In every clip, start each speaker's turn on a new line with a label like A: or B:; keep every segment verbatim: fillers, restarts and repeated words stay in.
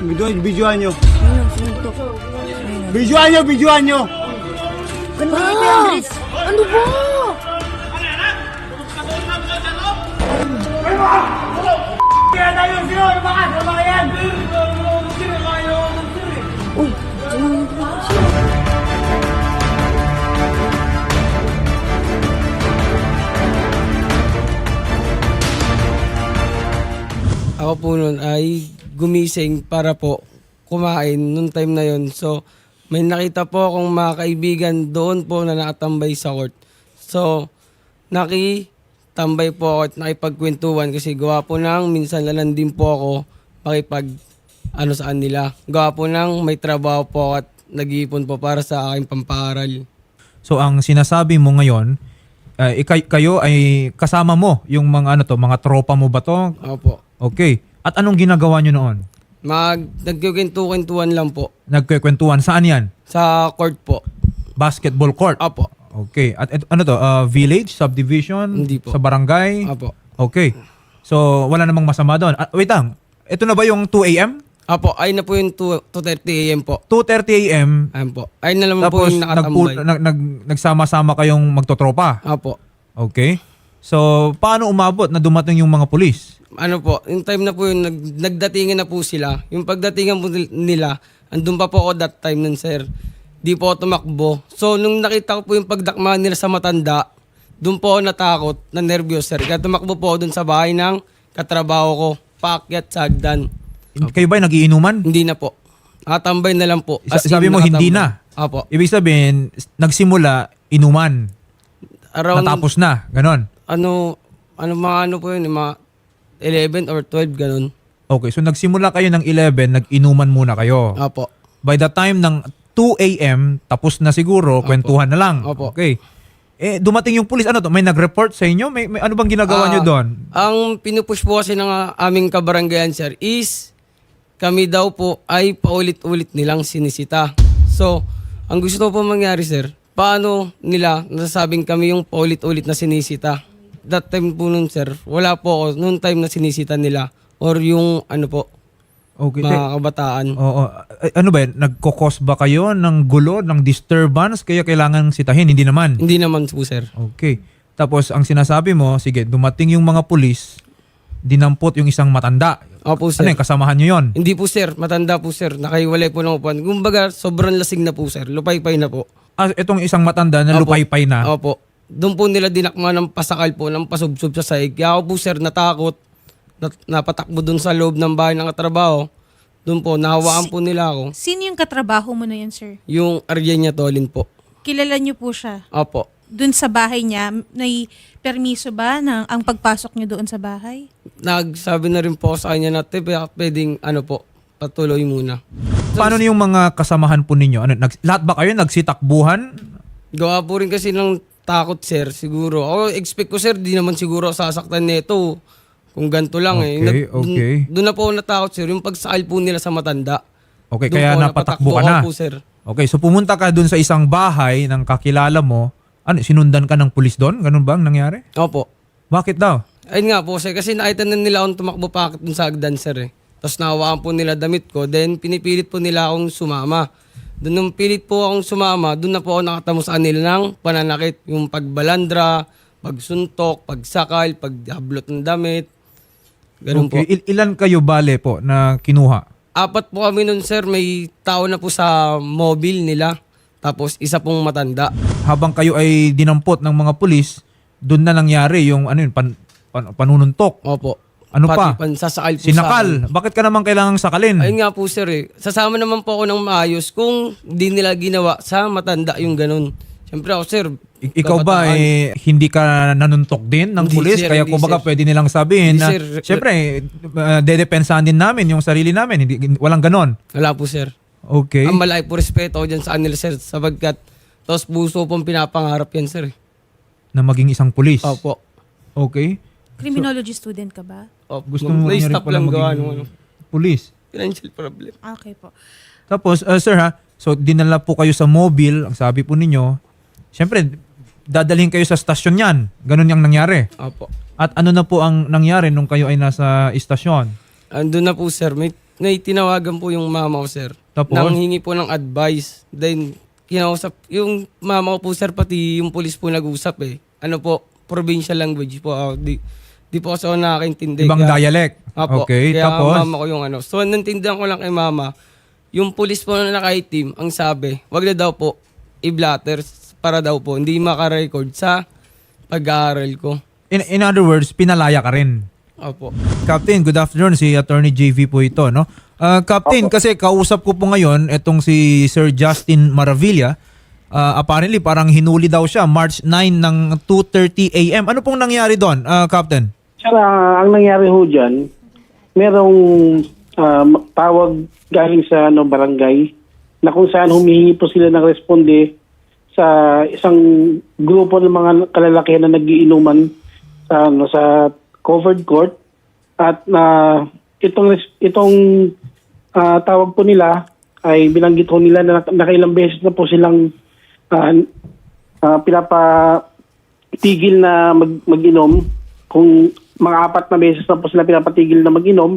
A: Video, videoan nyo.
B: Ayun, sinuntok.
A: Videoan nyo, videoan nyo.
B: Ganun ba? Andres, ano ba?
A: Kaya tayo, sino? Ano ba ka? Ano ba yan?
B: Uy, sumunod ba siya?
C: Ako po noon ay gumising para po kumain nung time na yon. So, may nakita po akong mga kaibigan doon po na nakatambay sa court. So, nakitambay po ako at nakipagkwentuhan kasi gawa po nang minsan lalan din po ako makipag ano saan nila. Gawa po nang may trabaho po ako at nag-iipon po para sa aking pamparal.
D: So ang sinasabi mo ngayon, uh, ikay, kayo ay kasama mo yung mga ano to, mga tropa mo ba to?
C: Opo.
D: Okay. At anong ginagawa nyo noon?
C: Mag, nagkikwentu-kwentuhan lang po
D: Nagkikwentuhan. Saan yan?
C: sa court po.
D: Basketball court?
C: Opo.
D: Okay. At et- ano to? Uh, village? Subdivision?
C: Hindi po.
D: Sa barangay?
C: Opo.
D: Okay. So wala namang masama doon. Ah, wait lang. Ito na ba yung two a.m.?
C: Opo, ay na po yung two thirty a m po.
D: two thirty a.m.
C: Ayun po. Ay na naman po
D: Tapos
C: yung nakatambay.
D: nagpu- nag, nag, nagsama-sama kayong magtotropa?
C: Opo.
D: Okay. So paano umabot na dumating yung mga pulis?
C: Ano po, yung time na po yung nag, nagdatingan na po sila. Yung pagdatingan po nil- nila, andun pa po ako that time nun, sir. Di po ako tumakbo. So, nung nakita ko po yung pagdakma nila sa matanda, dun po ako natakot, na nervyos, sir. Kaya tumakbo po ako dun sa bahay ng katrabaho ko, paakyat sa hagdan.
D: Kayo ba nagiinuman?
C: Hindi na po. Nakatambay na lang po.
D: Sa-
C: As in,
D: sabi mo, hindi
C: nakatambay.
D: na?
C: Opo.
D: Ibig sabihin, nagsimula, inuman.
C: Around,
D: Natapos na. Ganon.
C: ano, ano mga ano po yun, yung mga eleven or twelve, ganun.
D: Okay, so nagsimula kayo ng eleven, nag-inuman muna kayo.
C: Opo.
D: By the time ng two a.m., tapos na siguro, kwentuhan na lang.
C: Opo.
D: Okay. Eh, dumating yung pulis. Ano to? May nag-report sa inyo? May, may ano bang ginagawa
C: Ah,
D: nyo doon?
C: Ang pinupush po kasi ng ah, aming kabaranggayan, sir, is kami daw po ay paulit-ulit nilang sinisita. So, ang gusto po mangyari, sir, paano nila nasasabing kami yung paulit-ulit na sinisita? That time po nun, sir, wala po ako noon time na sinisita nila or yung ano po,
D: Okay.
C: mga kabataan.
D: Oo. Ay, ano ba yan? Nagkokos ba kayo ng gulo, ng disturbance? Kaya kailangan sitahin? Hindi naman.
C: Hindi naman po, sir.
D: Okay. Tapos ang sinasabi mo, sige, dumating yung mga pulis, dinampot yung isang matanda.
C: Opo,
D: Ano
C: sir.
D: yung kasamahan nyo yun?
C: Hindi po, sir. Matanda po, sir. Nakaiwalay po ng upuan. Kumbaga, sobrang lasing na po, sir. Lupay-pay na po.
D: Ah, itong isang matanda na
C: Opo.
D: lupay-pay na.
C: Opo. Doon po nila dinakma ng pasakal po, ng pasubsob sa sahig. Kaya ako po, sir, natakot. Nat- napatakbo doon sa loob ng bahay ng katrabaho. Doon po, nahawaan po nila ako.
E: Sino yung katrabaho mo na yan, sir?
C: Yung Arjenia Tolin po.
E: Kilala niyo po siya?
C: Opo.
E: Doon sa bahay niya, may permiso ba ng ang pagpasok niyo doon sa bahay?
C: Nagsabi na rin po ako sa kanya na, "Te, baka pwedeng, ano po, patuloy muna."
D: Paano yung mga kasamahan po ninyo? Ano, nag, lahat ba kayo nagsitakbuhan?
C: Gawa po rin kasi ng takot, sir, siguro. Ako, expect ko, sir, di naman siguro sasaktan nito. Kung ganito lang eh.
D: Okay,
C: Nag- dun-
D: okay.
C: Doon na po ako natakot, sir. Yung pagsakal po nila sa matanda.
D: Okay,
C: Doon
D: kaya
C: po
D: napatakbo ka na.
C: ako po, sir.
D: Okay, so pumunta ka dun sa isang bahay ng kakilala mo. Ano, sinundan ka ng pulis doon? Ganun ba ang nangyari?
C: Opo.
D: Bakit daw?
C: Ayun nga po, sir. Kasi nakita na nila akong tumakbo pa akit dun sa hagdan, sir eh. Tapos nahawakan po nila damit ko. Then pinipilit po nila akong sumama. Doon nung pilit po akong sumama, doon na po ako nakatamo sa kanila ng pananakit. Yung pagbalandra, pagsuntok, pagsakal, paghablot ng damit. Ganun po.
D: Okay, il- ilan kayo bale po na kinuha?
C: Apat po kami nun, sir. May tao na po sa mobile nila. Tapos isa pong matanda.
D: Habang kayo ay dinampot ng mga pulis, doon na nangyari yung ano yun, pan, pan- panununtok.
C: Opo.
D: Ano
C: Pati
D: pa?
C: pansasakal po sa akin.
D: Sinakal. Bakit ka naman kailangang sakalin?
C: Ayun nga po, sir eh. Sasama naman po ako ng maayos kung di nila ginawa sa matanda yung ganun. Siyempre ako, sir.
D: I- Ikaw ba
C: kabataan.
D: eh, hindi ka nanuntok din ng
C: Hindi,
D: pulis?
C: sir,
D: Kaya
C: hindi,
D: kumbaga
C: sir.
D: pwede nilang sabihin
C: Hindi,
D: na,
C: sir.
D: siyempre, uh, dedepensahan din namin yung sarili namin. Hindi, walang ganon.
C: Wala po, sir.
D: Okay.
C: Ang malaki po respeto ko dyan sa kanila, sir. Sabagkat, tos puso pong pinapangarap yan, sir. eh.
D: Na maging isang pulis.
C: Opo.
D: Okay.
E: Criminology student ka ba?
C: Opo.
D: Gusto mo
C: May
D: niya rin
C: stop
D: pala
C: lang gawa
D: maging
C: nung ano.
D: pulis.
C: Financial problem.
E: Okay po.
D: Tapos, uh, sir ha, so dinala po kayo sa mobile, ang sabi po ninyo, siyempre, dadalhin kayo sa stasyon yan. Ganun yung nangyari.
C: Opo.
D: At ano na po ang nangyari nung kayo ay nasa istasyon?
C: Andun na po, sir. May may tinawagan po yung mama ko, sir.
D: Tapos?
C: Nang hingi po ng advice. Then, kinausap, yung mama ko po, sir, pati yung pulis po nag-usap eh. Ano po, provincial language po ako. Di, di po kasi ako nakakaintindi.
D: Ibang
C: Kaya-
D: dialect.
C: Apo,
D: Okay,
C: kaya
D: tapos?
C: mama ko yung ano. So, nantindihan ko lang kay mama, yung pulis po na naka-team, ang sabi, wag na daw po i-blatter para daw po hindi makarecord sa pag-aaral ko.
D: In, in other words, pinalaya ka rin.
C: Opo.
D: Captain, good afternoon. Si Attorney J V po ito, no? Ah, Captain, kasi kausap ko po ngayon itong si Sir Justin Maravilla. Ah, apparently, parang hinuli daw siya March ninth ng two thirty a m Ano pong nangyari doon, ah, Captain?
F: Sir, ah, ang nangyari ho dyan, merong ah, tawag galing sa ano, barangay na kung saan humihingi po sila ng responde sa isang grupo ng mga kalalakihan na nagiinuman sa ano, sa covered court at na itong res- itong ah, tawag po nila ay binanggit ho nila na nak- nakailang beses na po silang ah, ah, pinapatigil na mag- mag-inom kung mga apat na beses na po sila pinapatigil na mag-inom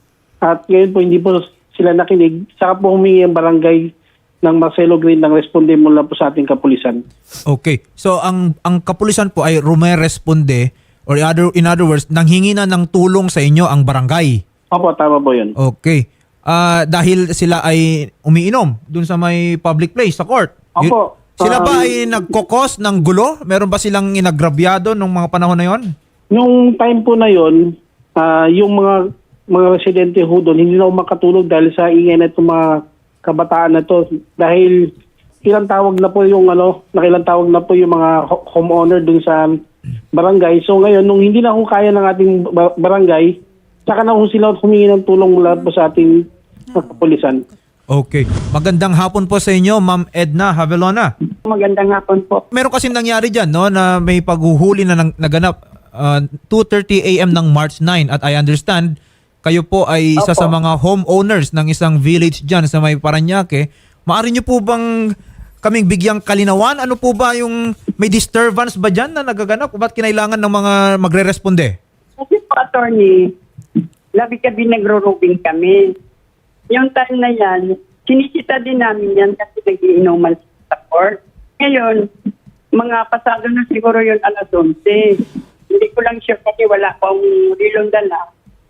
F: at ngayon po hindi po sila nakinig. Saka po humingi ang barangay ng Marcelo Green ng responde mula po sa ating kapulisan.
D: Okay. So, ang ang kapulisan po ay rumeresponde or in other, in other words, nanghingi na ng tulong sa inyo ang barangay.
F: Opo, tama po yun.
D: Okay. Ah, dahil sila ay umiinom dun sa may public place, sa court. Y-
F: Opo.
D: Sila ba
F: Um,
D: ay nagkokos ng gulo? Meron ba silang inagrabyado nung mga panahon na yon?
F: Nung time po na yun, ah, yung mga mga residente ho doon, hindi na ho makatulog dahil sa ingay na itong mga kabataan na to. Dahil ilang tawag na po yung ano, nakilang tawag na po yung mga ho- homeowner doon sa barangay. So ngayon, nung hindi na ho kaya ng ating ba- barangay, saka na ho sila humingi ng tulong mula po sa ating kapulisan.
D: Okay. Magandang hapon po sa inyo, Ma'am Edna Havelona.
G: Magandang hapon po.
D: Meron kasi nangyari dyan, no, na may paghuhuli na nang, naganap uh, two thirty a m ng March ninth at I understand kayo po ay isa
G: Opo.
D: sa mga homeowners ng isang village dyan sa may Paranaque. Maaari nyo po bang kaming bigyang kalinawan? Ano po ba yung may disturbance ba dyan na nagaganap? Ba't kinailangan ng mga magre-responde?
G: Kasi po, attorney, labi-gabi nagro-roving kami. Yung time na yan, sinisita din namin yan kasi nagiinuman sa court. Ngayon, mga pasado na siguro yun alas onse. Hindi ko lang sure kasi wala pang rilong dala.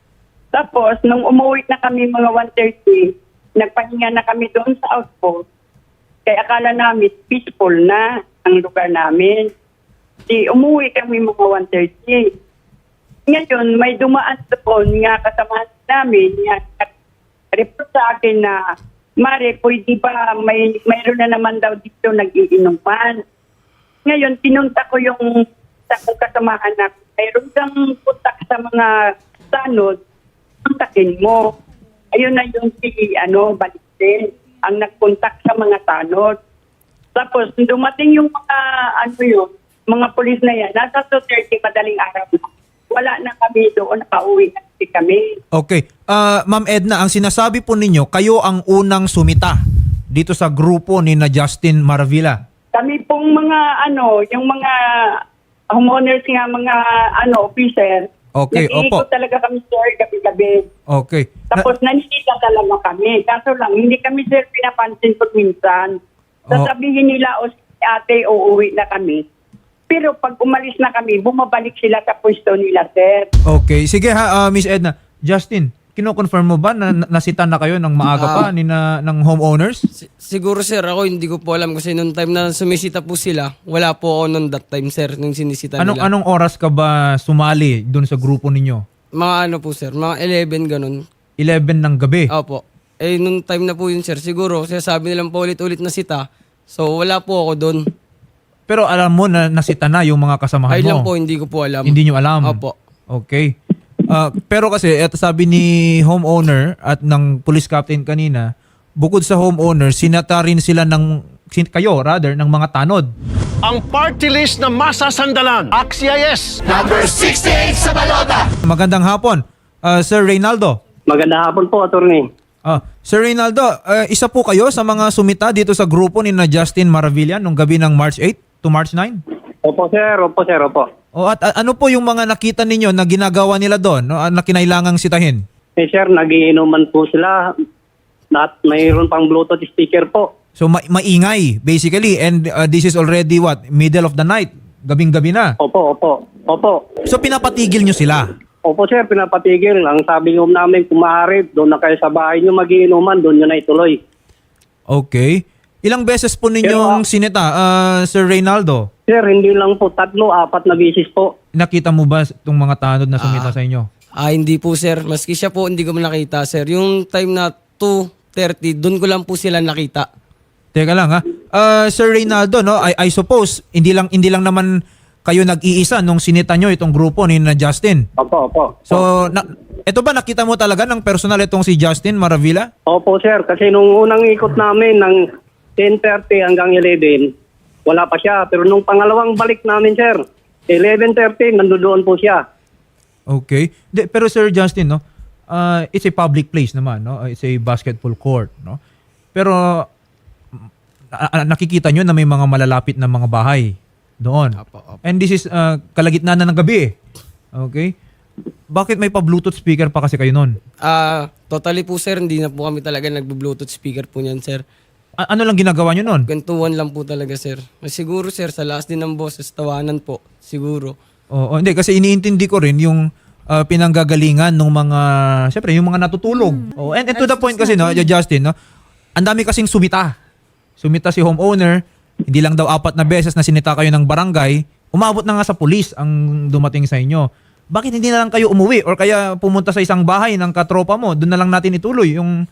G: Tapos, nung umuwi na kami mga one thirty, nagpahinga na kami doon sa outpost. Kaya akala namin peaceful na ang lugar namin. Di umuwi kami mga one thirty. Ngayon, may dumaan doon nga kasama namin, nga report sa akin na, Mare, pwede ba may mayroon na naman daw dito nag-iinuman. Ngayon, pinunta ko yung sa kong kasamahan na mayroon kang puntak sa mga tanod, puntakin mo. Ayun na yung si, ano, Balitin, ang nagpuntak sa mga tanod. Tapos, dumating yung mga, ano yun, mga polis na yan, nasa two thirty, madaling araw na. Wala na kami doon, nakauwi na kasi kami.
D: Okay. Ah, Ma'am Edna, ang sinasabi po ninyo, kayo ang unang sumita dito sa grupo ni na Justin Maravilla.
G: Kami pong mga, ano, yung mga homeowners nga, mga, ano, officer,
D: Okay,
G: nag-iikot
D: opo.
G: talaga kami, sir, gabi-gabi.
D: Okay. Na-
G: Tapos nanisita talaga kami. Kaso lang, hindi kami, sir, pinapansin pag minsan. Sasabihin nila, o si ate, uuwi na kami. Pero pag umalis na kami, bumabalik sila sa pwesto nila, sir.
D: Okay. Sige ha, ah, Miss Edna. Justin, kino-confirm mo ba na na- nasita na kayo ng maaga pa ni na, ng homeowners?
C: Si- siguro, sir, ako hindi ko po alam kasi nung time na sumisita po sila, wala po ako noon that time, sir, nung sinisita
D: Anong
C: nila.
D: anong oras ka ba sumali doon sa grupo ninyo?
C: Mga ano po, sir, mga eleven ganun.
D: eleven ng gabi.
C: Opo. Eh, nung time na po yun, sir, siguro, sinasabi nilang paulit-ulit na sita. So, wala po ako doon.
D: Pero alam mo na nasita na yung mga kasamahan
C: Ay
D: mo.
C: lang po, hindi ko po alam.
D: Hindi nyo alam.
C: Opo.
D: Okay. Ah, pero kasi eto sabi ni homeowner at ng police captain kanina, bukod sa homeowner, sinata rin sila ng sin- kayo rather ng mga tanod.
H: Ang party list na masasandalan. Axies!
D: Magandang hapon. Ah, Sir Reynaldo.
F: Magandang hapon po, attorney.
D: Ah, Sir Reynaldo, ah, isa po kayo sa mga sumita dito sa grupo ni na Justin Maravilla nung gabi ng March eighth to March ninth?
F: Opo, sir. Opo, sir. Opo.
D: O at a- ano po yung mga nakita ninyo na ginagawa nila doon, no, ah, na kinailangang sitahin?
I: Eh sir, nagiinuman po sila. At mayroon pang Bluetooth speaker po.
D: So ma- maingay basically, and uh, this is already what, middle of the night, gabing-gabi na.
I: Opo, opo, opo.
D: So pinapatigil nyo sila.
I: Opo sir, pinapatigil. Ang sabi ng namin, kung maaari, doon na kayo sa bahay nyo magiinuman, doon nyo na ituloy.
D: Okay. Ilang beses po ninyong
I: Pero, ah,
D: sinita, uh, Sir Reynaldo?
I: Sir, hindi lang po, tatlo, apat na bisis po.
D: Nakita mo ba itong mga tanod na sumita sa inyo?
C: Ah, hindi po sir. Maski siya po, hindi ko nakita sir. Yung time na two thirty, doon ko lang po sila nakita.
D: Teka lang ha. Uh, Sir Reynaldo, no, I, I suppose, hindi lang, hindi lang naman kayo nag-iisa nung sinita nyo itong grupo ni na Justin.
I: Opo, opo.
D: So, na, ito ba nakita mo talaga ng personal itong si Justin Maravilla?
I: Opo sir, kasi nung unang ikot namin ng ten thirty hanggang eleven, wala pa siya. Pero nung pangalawang balik namin sir, eleven thirty, nandoon po siya.
D: Okay. De, pero Sir Justin, no, uh, it's a public place naman, no? It's a basketball court, no? Pero uh, uh, nakikita nyo na may mga malalapit na mga bahay doon.
C: Apo, apo.
D: And this is uh, kalagitnaan na ng gabi eh. Okay? Bakit may pa-Bluetooth speaker pa kasi kayo noon?
C: Ah, totally po sir, hindi na po kami talaga nagbo-Bluetooth speaker po niyan sir.
D: A- ano lang ginagawa nyo noon?
C: Gantuan lang po talaga sir. Siguro sir, sa last din ng boses, tawanan po. Siguro.
D: Oo, hindi kasi iniintindi ko rin yung uh, pinanggagalingan ng mga, syempre, yung mga natutulog. Oh, and, and to the point kasi, no, Justin, no, ang dami kasing sumita. Sumita si homeowner, hindi lang daw apat na beses na sinita kayo ng barangay, umabot na nga sa pulis ang dumating sa inyo. Bakit hindi na lang kayo umuwi or kaya pumunta sa isang bahay ng katropa mo, doon na lang natin ituloy yung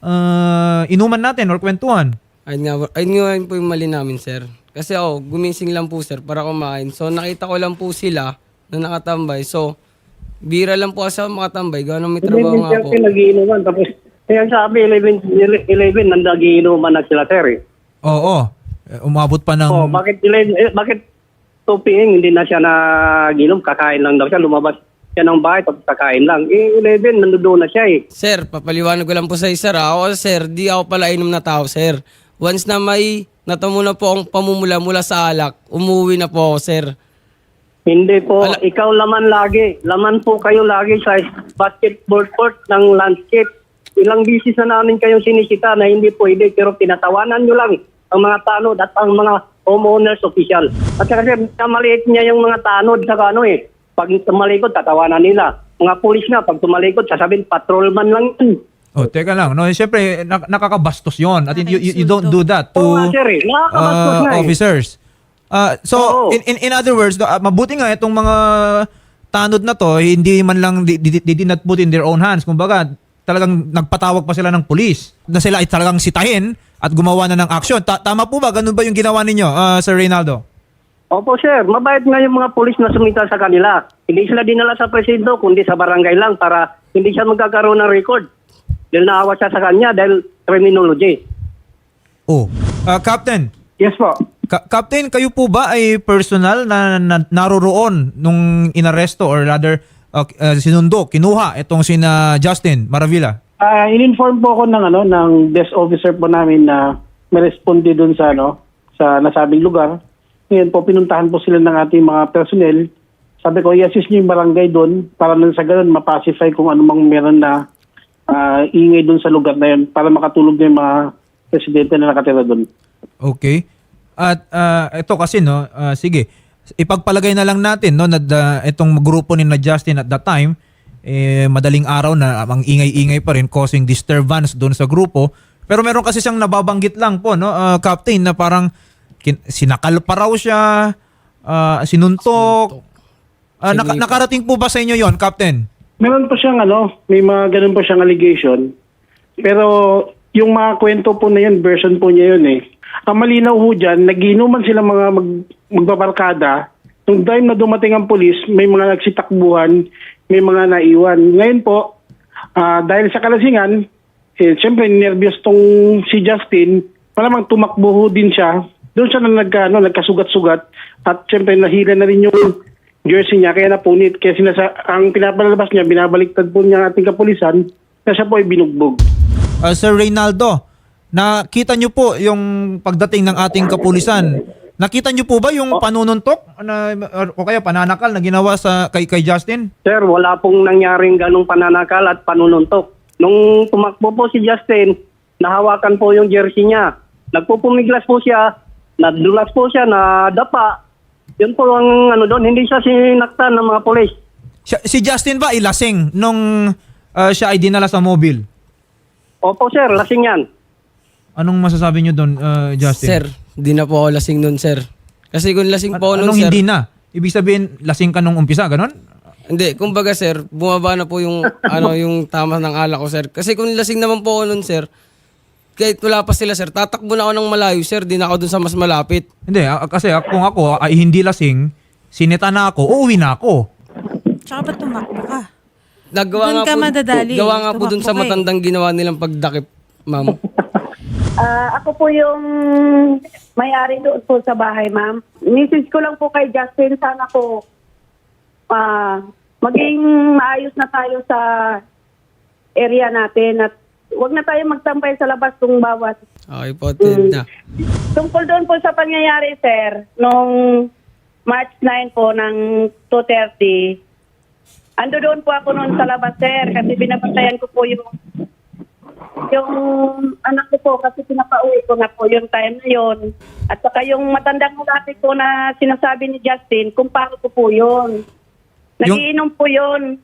D: uh, inuman natin or kwentuhan?
C: Ayun nga, ayun nga yun po yung mali namin sir. Kasi ako, gumising lang po sir para kumain. So nakita ko lang po sila na nakatambay. So, bira lang po kasi ako makatambay. Gano'n may trabaho nga po.
I: eleven thirty nagiinuman. Tapos, kaya sabi, eleven, eleven, nandagiinuman na sila sir eh.
D: Oo. Eh, Umabot pa ng...
I: Oh, bakit eleven, eh, bakit two p m hindi na siya nagiinom, kakain lang daw siya, lumabas siya ng bahay tapos kakain lang. Eh eleven nandoon na siya eh.
C: Sir, papaliwanag ko lang po sa sir. Ako sir, di ako pala inom na tao sir. Once na may natamo na po ang pamumula mula sa alak, umuwi na po ako sir.
I: Hindi po,
C: Ala-
I: ikaw laman lagi. Laman po kayo lagi sa basketball court ng landscape. Ilang bisis na namin kayong sinisita na hindi pwede pero tinatawanan nyo lang ang mga tanod at ang mga homeowners official. At saka kasi maliit niya yung mga tanod sa ano eh. Pag tumalikod, tatawanan nila. Mga pulis na, pag tumalikod, sasabihin, patrolman lang yun.
D: Oh, teka lang. No, siyempre, nak- nakakabastos yon. At you, you, you don't do that to
I: Oo nga, sir, eh. Nakakabastos
D: uh,
I: na eh.
D: officers. Uh, so,
I: Oo.
D: in, in in other words, do- uh, mabuti nga itong mga tanod na to, hindi man lang, they, they, they did not put in their own hands. Kumbaga, talagang nagpatawag pa sila ng pulis na sila ay talagang sitahin at gumawa na ng aksyon. Ta- tama po ba? Ganun ba yung ginawa ninyo, uh, Sir Reynaldo?
I: Opo, sir. Mabait nga yung mga pulis na sumita sa kanila. Hindi sila dinala sa presinto, kundi sa barangay lang para hindi siya magkakaroon ng record. Dahil naawa siya sa kanya dahil criminology.
D: Oh. Uh, Captain,
F: Yes po.
D: Ka- Captain, kayo po ba ay personal na, na naroroon nung inaresto or rather uh, uh, sinundo, kinuha itong sina Justin Maravilla?
F: Ah, in-inform po ako ng ano ng desk officer po namin na may responde doon sa ano sa nasabing lugar. Ngayon po pinuntahan po sila ng ating mga personnel. Sabi ko, i-assist niyo yung barangay doon para nang sa ganun mapacify kung ano mang meron na ah, ingay doon sa lugar na yun para makatulog na yung mga residente na nakatira doon.
D: Okay. At uh, ito kasi no, uh, sige, ipagpalagay na lang natin no na uh, itong grupo ni na Justin at that time eh madaling araw na ang ingay-ingay pa rin causing disturbance doon sa grupo. Pero meron kasi siyang nababanggit lang po no, uh, Captain, na parang kin- sinakal pa raw siya, uh, sinuntok. Uh, naka-
C: Sinipa.
D: nakarating po ba sa inyo 'yon, Captain?
F: Meron po siyang ano, may mga ganun po siyang allegation. Pero yung mga kwento po na yun, version po niya yun eh. Ang malinaw ho dyan, nagiinuman sila mga mag, magbabarkada. Nung time na dumating ang polis, may mga nagsitakbuhan, may mga naiwan. Ngayon po, ah, dahil sa kalasingan, eh, siyempre nervyos tong si Justin, malamang tumakbo ho din siya. Doon siya na nag, ano, nagkasugat-sugat at siyempre nahila na rin yung jersey niya, kaya napunit. Kaya sinasa, ang pinapalabas niya, binabaliktad po niya ang ating kapulisan na siya po ay binugbog.
D: Uh, Sir Reynaldo, nakita niyo po yung pagdating ng ating kapulisan Nakita niyo po ba yung panununtok na, o kaya pananakal na ginawa sa kay, kay Justin?
I: Sir, wala pong nangyaring ganong pananakal at panununtok. Nung tumakbo po si Justin, nahawakan po yung jersey niya. Nagpupumiglas po siya, nadulas po siya, nadapa. Yun po ang ano doon, hindi siya sinaktan ng mga polis.
D: Siya- Si Justin ba ilasing nung ah, siya ay dinala sa mobile?
I: Opo sir, lasing yan.
D: Anong masasabi niyo doon, ah, Justin?
C: Sir, di na po ako lasing nun, sir. Kasi kung lasing
D: An-
C: po ako nun,
D: anong
C: sir...
D: hindi na? Ibig sabihin, lasing ka nung umpisa, ganon?
C: Hindi, kumbaga, sir, bumaba na po yung, ano, yung tama ng alak ko, sir. Kasi kung lasing naman po ako nun, sir, kahit wala pa sila, sir, tatakbo na ako ng malayo, sir, di na ako dun sa mas malapit.
D: Hindi, ah, kasi ah, kung ako ay hindi lasing, sinita na ako, uuwi na ako.
E: Tsaka ba't tumakbo ka?
C: Nagawa
E: Doon
C: nga
E: ka
C: po,
E: madadali.
C: gawa nga po dun sa
E: Tumakbo ka eh.
C: matandang ginawa nilang pagdakip, ma'am.
G: Ah, ako po yung may-ari doon po sa bahay, ma'am. Message ko lang po kay Justin, sana po ah, maging maayos na tayo sa area natin at wag na tayo magtampay sa labas kung bawat.
C: Okay po, Ted na.
G: Tungkol doon po sa pangyayari, sir, nung March ninth po ng two thirty, ando doon po ako noon sa labas, sir, kasi binabantayan ko po yung yung anak ko po kasi pinapauwi ko na po yung time na yon. At saka yung matandang lalaki po na sinasabi ni Justin, kumpare ko po yun. Nagiinom po yun.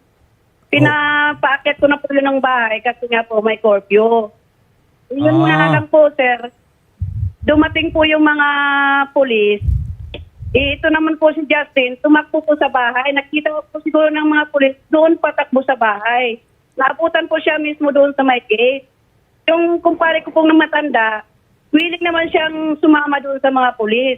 G: Pinapaakit ko na po yun ng bahay kasi nga po may curfew. Yun
D: Ah.
G: nga lang po, sir. Dumating po yung mga pulis. Eh, ito naman po si Justin, tumakbo po sa bahay. Nakita ko po siguro ng mga pulis, doon patakbo sa bahay. Naabutan po siya mismo doon sa may gate. Yung kumpare ko pong na matanda, willing naman siyang sumama doon sa mga pulis.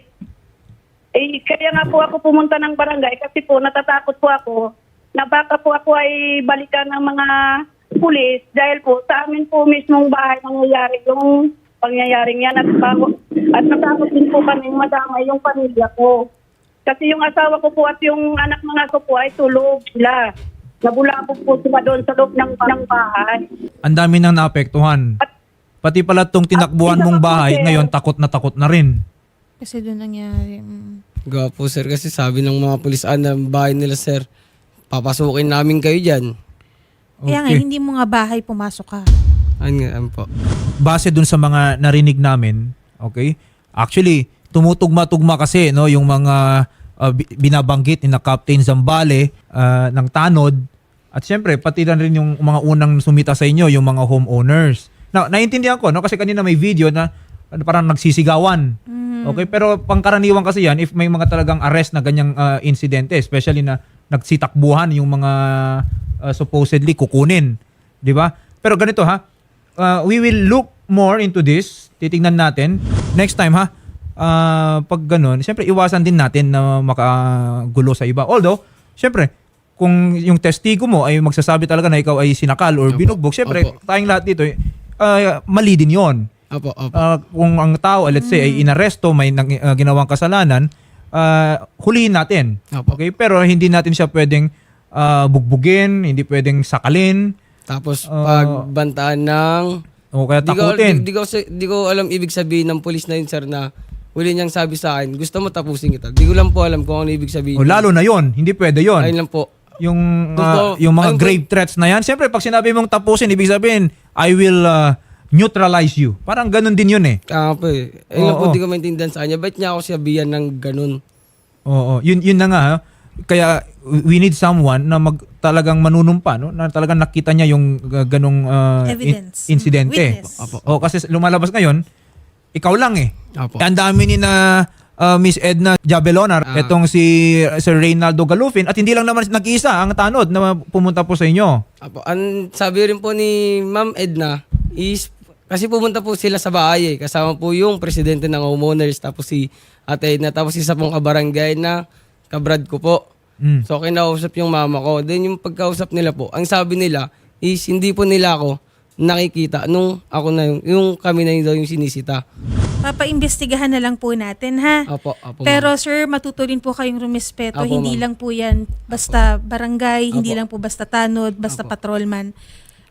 G: Eh, kaya nga po ako pumunta ng barangay kasi po natatakot po ako na baka po ako ay balikan ng mga pulis dahil po sa amin po mismong bahay nangyayari yung pangyayaring yan at, bago, at natakot din po kami madamay yung pamilya ko. Kasi yung asawa ko po at yung anak mga ko po ay tulog sila. Nabulabog po sila doon sa loob ng, ng bahay.
D: Ang dami nang naapektuhan. Pati pala tong tinakbuhan mong bahay, ngayon takot na takot na rin.
E: Kasi doon nangyari. mm.
C: Gawa po, sir, kasi sabi ng mga pulis, ah, na bahay nila, sir, papasukin namin kayo dyan.
E: Kaya nga, hindi mo nga bahay pumasok ka.
C: Ano nga, ano po.
D: Base dun sa mga narinig namin, okay? Actually, tumutugma-tugma kasi no yung mga uh, bi- binabanggit ni na Captain Zambale uh, ng Tanod at syempre pati na rin yung mga unang sumita sa inyo, yung mga homeowners. Na naiintindihan ko no kasi kanina may video na ano, parang nagsisigawan. Okay, pero pangkaraniwan kasi yan if may mga talagang arrest na ganyang uh, insidente, especially na nagsitakbuhan yung mga uh, supposedly kukunin, 'di ba? Pero ganito ha, uh, we will look more into this. Titingnan natin next time ha. Uh, pag ganun, syempre iwasan din natin na makagulo sa iba. Although, syempre, kung yung testigo mo ay magsasabi talaga na ikaw ay sinakal or
C: Opo.
D: binugbog, syempre,
C: Opo.
D: tayong lahat dito, uh, mali din yon.
C: Opo, opo.
D: Uh, kung ang tao, let's say, ay inaresto, may nang, uh, ginawang kasalanan, uh, hulihin natin.
C: Opo.
D: Okay? Pero hindi natin siya pwedeng uh, bugbugin, hindi pwedeng sakalin,
C: Tapos,
D: Ah.
C: pagbantaan ng...
D: o kaya
C: Di ko, di,
D: takutin.
C: di, ko, di ko alam ibig sabihin ng pulis na yun, sir, na huli niyang sabi sa akin, gusto mo tapusin kita. Di ko lang po alam kung ano ibig sabihin.
D: O, lalo na yon, hindi pwede yon.
C: Ayun lang po.
D: Yung
C: Gusto-
D: uh, yung mga
C: ayun po-
D: grave threats na yan, siyempre pag sinabi mong tapusin, ibig sabihin, I will uh, neutralize you. Parang ganun din yun eh.
C: Kaya po eh. Ayun lang
D: Oo.
C: po, di ko maintindihan sa kanya. Ba't niya ako sabihan ng ganun?
D: Oo, yun yun na nga. ha. Kaya we need someone na mag talagang manunumpa, no? Na talagang nakita niya yung uh, ganung uh, in-
E: Evidence.
D: insidente.
E: Witness.
C: Opo.
D: O kasi lumalabas ngayon, ikaw lang eh.
C: Opo.
D: Ang dami ni na uh, Miss Edna Jabelona,
C: Ah.
D: etong si Sir Reynaldo Galufin at hindi lang naman nag-iisa ang Tanod na pumunta po sa inyo.
C: Apo, ang sabi rin po ni Ma'am Edna is kasi pumunta po sila sa bahay eh. Kasama po yung presidente ng homeowners tapos si Ate Edna tapos isa pong kabarangay na kabrad ko po.
D: Mm.
C: So kinausap yung mama ko. Then yung pagkausap nila po, ang sabi nila is hindi po nila ako nakikita nung ako na yung, yung kami na yung daw yung sinisita.
E: Papaimbestigahan na lang po natin, ha?
C: Apo, apo.
E: Pero
C: ma'am.
E: sir, matuto rin po kayong rumispeto.
C: Apo,
E: hindi
C: ma'am.
E: lang po yan basta barangay, hindi
C: Apo.
E: lang po basta tanod, basta
C: Apo.
E: patrolman.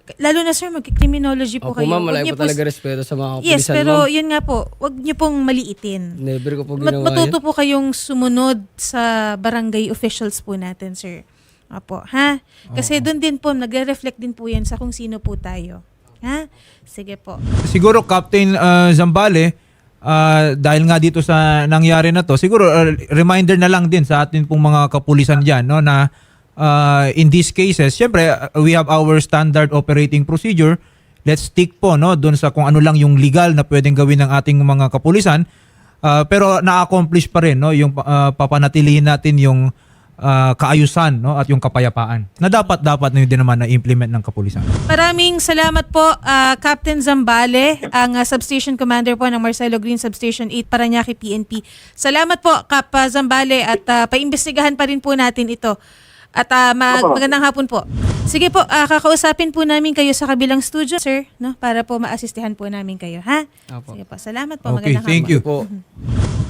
E: lalo na sir, mag-criminology po
C: Opo
E: kayo.
C: ma'am,
E: Huwag
C: malaki
E: niyo
C: po talaga respeto sa mga kapulisan
E: Yes, pero
C: ma'am.
E: yun nga po, wag niyo pong maliitin.
C: Never ko po
E: Mat-
C: ginawa
E: matuto
C: yan.
E: po kayong sumunod sa barangay officials po natin, sir. Apo, ha? Kasi doon din po, nagre-reflect din po yan sa kung sino po tayo. Ha? Sige po.
D: Siguro Captain uh, Zambale, uh, dahil nga dito sa nangyari na to, siguro uh, reminder na lang din sa atin pong mga kapulisan diyan, no, na uh, in these cases, syempre uh, we have our standard operating procedure. Let's stick po no doon sa kung ano lang yung legal na pwedeng gawin ng ating mga kapulisan. Uh, pero na-accomplish pa rin no yung uh, papanatilihin natin yung uh, kaayusan no at yung kapayapaan na dapat dapat na yun din naman na implement ng kapulisan.
E: Maraming salamat po, ah, Captain Zambale, ang ah, Substation Commander po ng Marcelo Green Substation eight, Parañaque P N P. Salamat po, Cap ah, Zambale, at ah, paimbestigahan pa rin po natin ito. At ah, mag-
F: Opo.
E: magandang hapon po. Sige po, ah, kakausapin po namin kayo sa kabilang studio, sir, no, para po maasistihan po namin kayo, ha?
C: Opo.
E: Sige po, salamat po.
D: Okay,
E: Magandang
D: thank
E: hapon.
D: you.
C: Po.